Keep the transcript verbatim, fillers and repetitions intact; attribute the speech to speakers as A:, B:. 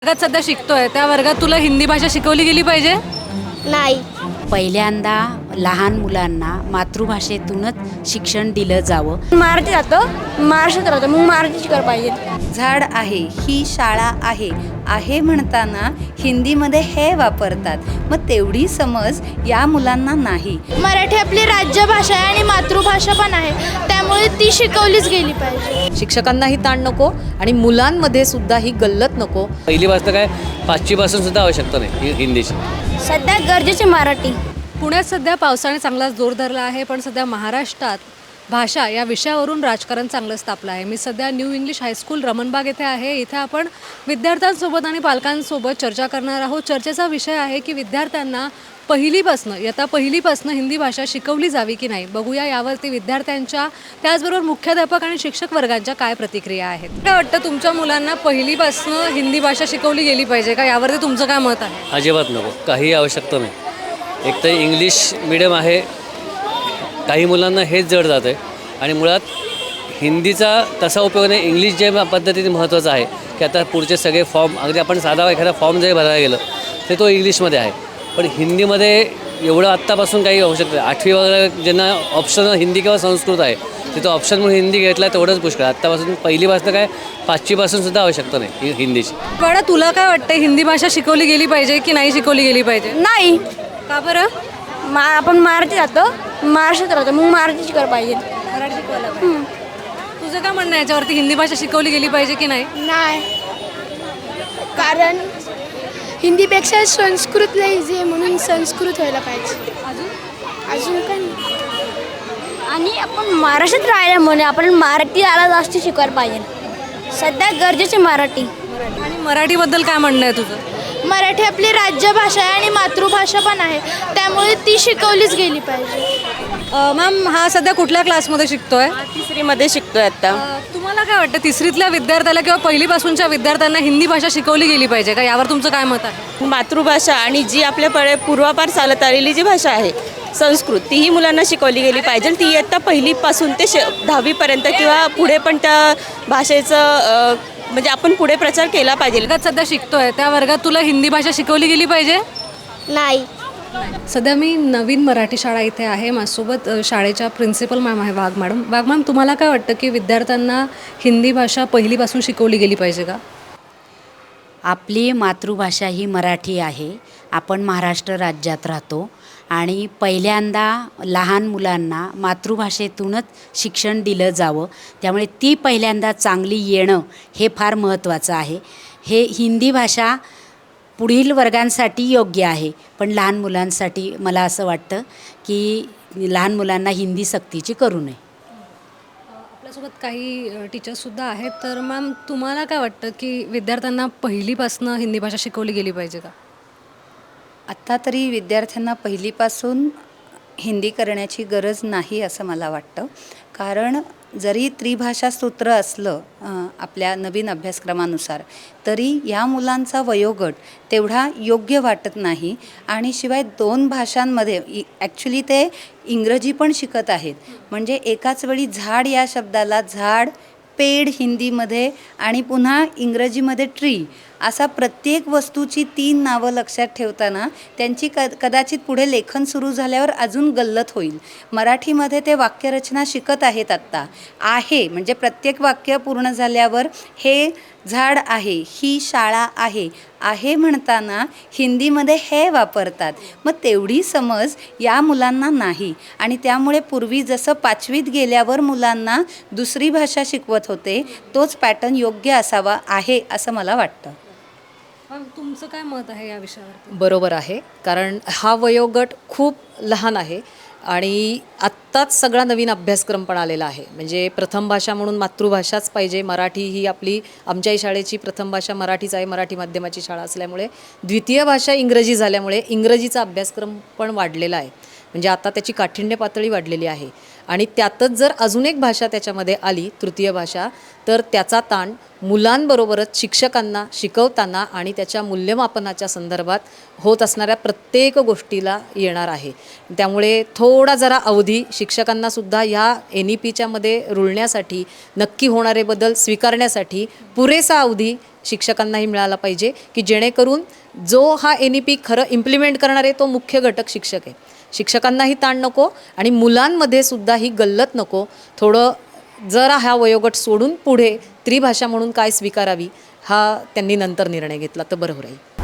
A: वर्गात सध्या शिकतोय त्या वर्गात तुला हिंदी भाषा शिकवली गेली पाहिजे?
B: नाही.
C: पहिल्यांदा लहान मुलांना मातृभाषेतूनच शिक्षण दिलं जावं.
B: मराठी जातो, महाराष्ट्रात राहतो, मग मराठी शिकायला पाहिजे.
D: झाड आहे, ही शाळा आहे, आहे म्हणताना हिंदीमध्ये हे वापरतात. मग तेवढी समज या मुलांना नाही.
B: मराठी आपली राज्यभाषा आहे आणि मातृभाषा पण आहे, त्यामुळे ती शिकवलीच गेली पाहिजे.
E: शिक्षकांनाही ताण नको आणि मुलांमध्ये सुद्धा ही गल्लत नको.
F: पहिली वाजता काय पाचवी पासून सुद्धा आवश्यकता नाही हिंदीची.
B: सध्या गरजेची मराठी.
A: पुण्यात सध्या पावसाने चांगलाच जोर धरला आहे, पण सध्या महाराष्ट्रात भाषा या विषयावरून राजकारण चांगलंच तापलं आहे. मी सध्या न्यू इंग्लिश हायस्कूल रमणबाग येथे आहे. इथे आपण विद्यार्थ्यांसोबत आणि पालकांसोबत चर्चा करणार आहोत. चर्चेचा विषय आहे की विद्यार्थ्यांना पहिलीपासनं इयत्ता पहिलीपासनं हिंदी भाषा शिकवली जावी की नाही. बघूया यावरती विद्यार्थ्यांच्या त्याचबरोबर मुख्याध्यापक आणि शिक्षक वर्गांच्या काय प्रतिक्रिया आहेत. काय वाटतं तुमच्या मुलांना पहिलीपासनं हिंदी भाषा शिकवली गेली पाहिजे का? यावरती तुमचं काय मत आहे?
F: अजिबात नको, काही आवश्यकता नाही. एक तर इंग्लिश मिडियम आहे, काही मुलांना हेच जड जातं आहे आणि मुळात हिंदीचा तसा उपयोग नाही. इंग्लिश जे पद्धतीने महत्त्वाचं आहे की आता पुढचे सगळे फॉर्म, अगदी आपण साधा एखादा फॉर्म जरी भरायला गेलं तर तो इंग्लिशमध्ये आहे, पण हिंदीमध्ये एवढं आत्तापासून काही आवश्यकता नाही. आठवी वगैरे ज्यांना ऑप्शन हिंदी किंवा संस्कृत आहे तिथं ऑप्शन म्हणून हिंदी घेतला तेवढंच पुष्कळ. आत्तापासून पहिलीपासून काय पाचवीपासून सुद्धा आवश्यकता नाही हिंदीची.
A: पण तुला काय वाटतं हिंदी भाषा शिकवली गेली पाहिजे की नाही शिकवली गेली पाहिजे?
B: नाही.
A: का बरं?
B: मा आपण मराठी जातो, महाराष्ट्रात राहतो, मग मराठी शिकायला पाहिजे.
A: मराठी शिकवायला पाहिजे. तुझं काय म्हणणं आहे याच्यावरती? हिंदी भाषा शिकवली गेली पाहिजे की नाही?
G: नाही, कारण हिंदीपेक्षा संस्कृत लय इझी आहे, म्हणून संस्कृत व्हायला पाहिजे. अजून काय नाही.
B: आणि आपण महाराष्ट्रात राहिल्यामुळे आपण मराठी आला जास्त शिकायला पाहिजे. सध्या गरजेची मराठी.
A: आणि मराठीबद्दल काय म्हणणं आहे तुझं?
G: मराठी आपली राज्यभाषा आहे आणि मातृभाषा पण आहे, त्यामुळे ती शिकवलीच गेली पाहिजे.
A: मॅम, हा सध्या कुठल्या क्लासमध्ये शिकतोय?
H: तिसरीमध्ये शिकतोय आता.
A: अ, तुम्हाला काय वाटतं तिसरीतल्या विद्यार्थ्याला किंवा पहिलीपासूनच्या विद्यार्थ्यांना हिंदी भाषा शिकवली गेली पाहिजे का? यावर तुमचं काय मत आहे?
H: मातृभाषा आणि जी आपल्याकडे पूर्वापार चालत आलेली जी भाषा आहे संस्कृत, तीही मुलांना शिकवली गेली पाहिजे. ती इयत्ता पहिलीपासून ते शे दहावीपर्यंत किंवा पुढे पण त्या भाषेचं म्हणजे आपण पुढे प्रचार केला पाहिजे.
A: वर्गात सध्या शिकतोय त्या वर्गात तुला हिंदी भाषा शिकवली गेली पाहिजे?
B: नाही.
A: सध्या मी नवीन मराठी शाळा इथे आहे. माझ्यासोबत अ, शाळेच्या प्रिन्सिपल मॅम आहे, वाघ मॅडम. वाघ मॅम, तुम्हाला काय वाटतं की विद्यार्थ्यांना हिंदी भाषा पहिलीपासून शिकवली गेली पाहिजे का?
C: आपली मातृभाषा ही मराठी आहे. आपण महाराष्ट्र राज्यात राहतो आणि पहिल्यांदा लहान मुलांना मातृभाषेतूनच शिक्षण दिलं जावं. त्यामुळे ती पहिल्यांदा चांगली येणं हे फार महत्त्वाचं आहे. हे हिंदी भाषा पुढील वर्गांसाठी योग्य आहे, पण लहान मुलांसाठी मला असं वाटतं की लहान मुलांना हिंदी सक्तीची करू नये.
A: आपल्यासोबत काही टीचर्ससुद्धा आहेत. तर मॅम, तुम्हाला काय वाटतं की विद्यार्थ्यांना पहिलीपासनं हिंदी भाषा शिकवली गेली पाहिजे का?
D: आत्ता तरी विद्यार्थ्यांना पहिलीपासून हिंदी करण्याची गरज नाही असं मला वाटतं. कारण जरी त्रिभाषा सूत्र असलं अ, आपल्या नवीन अभ्यासक्रमानुसार, तरी या मुलांचा वयोगट तेवढा योग्य वाटत नाही. आणि शिवाय दोन भाषांमध्ये इ ॲक्च्युली ते इंग्रजी पण शिकत आहेत. म्हणजे एकाच वेळी झाड या शब्दाला झाड, पेड हिंदीमध्ये आणि पुन्हा इंग्रजीमध्ये ट्री, असा प्रत्येक वस्तूची तीन नावं लक्षात ठेवताना त्यांची क कदाचित पुढे लेखन सुरू झाल्यावर अजून गल्लत होईल. मराठीमध्ये ते वाक्यरचना शिकत आहेत आत्ता. आहे म्हणजे प्रत्येक वाक्य पूर्ण झाल्यावर हे झाड आहे, ही शाळा आहे, आहे म्हणताना हिंदीमध्ये हे वापरतात. मग तेवढी समज या मुलांना नाही. आणि त्यामुळे पूर्वी जसं पाचवीत गेल्यावर मुलांना दुसरी भाषा शिकवत होते, तोच पॅटर्न योग्य असावा आहे असं मला वाटतं.
A: मॅम, तुमचं काय मत आहे या विषयावरती?
E: बरोबर आहे, कारण हा वयोगट खूप लहान आहे आणि आत्ताच सगळा नवीन अभ्यासक्रम पण आलेला आहे. म्हणजे प्रथम भाषा म्हणून मातृभाषाच पाहिजे. मराठी ही आपली आमच्याही शाळेची प्रथम भाषा मराठीच आहे, मराठी माध्यमाची शाळा असल्यामुळे. द्वितीय भाषा इंग्रजी झाल्यामुळे इंग्रजीचा अभ्यासक्रम पण वाढलेला आहे. म्हणजे आता त्याची काठिण्य पातळी वाढलेली आहे आणि त्यातच जर अजून एक भाषा त्याच्यामध्ये आली, तृतीय भाषा, तर त्याचा ताण मुलांबरोबरच शिक्षकांना शिकवताना आणि त्याच्या मूल्यमापनाच्या संदर्भात होत असणाऱ्या प्रत्येक गोष्टीला येणार आहे. त्यामुळे थोडा जरा अवधी शिक्षकांनासुद्धा ह्या एन ई पीच्यामध्ये रुळण्यासाठी, नक्की होणारे बदल स्वीकारण्यासाठी पुरेसा अवधी शिक्षकांनाही मिळाला पाहिजे की जेणेकरून जो हा एन ई पी खरं इम्प्लिमेंट करणार आहे तो मुख्य घटक शिक्षक आहे. शिक्षकांनाही ताण नको आणि मुलांमध्ये सुद्धा ही गल्लत नको. थोडं जरा हा वयोगट सोडून पुढे त्रिभाषा म्हणून काय स्वीकारावी हा त्यांनी नंतर निर्णय घेतला तर बरं राहील.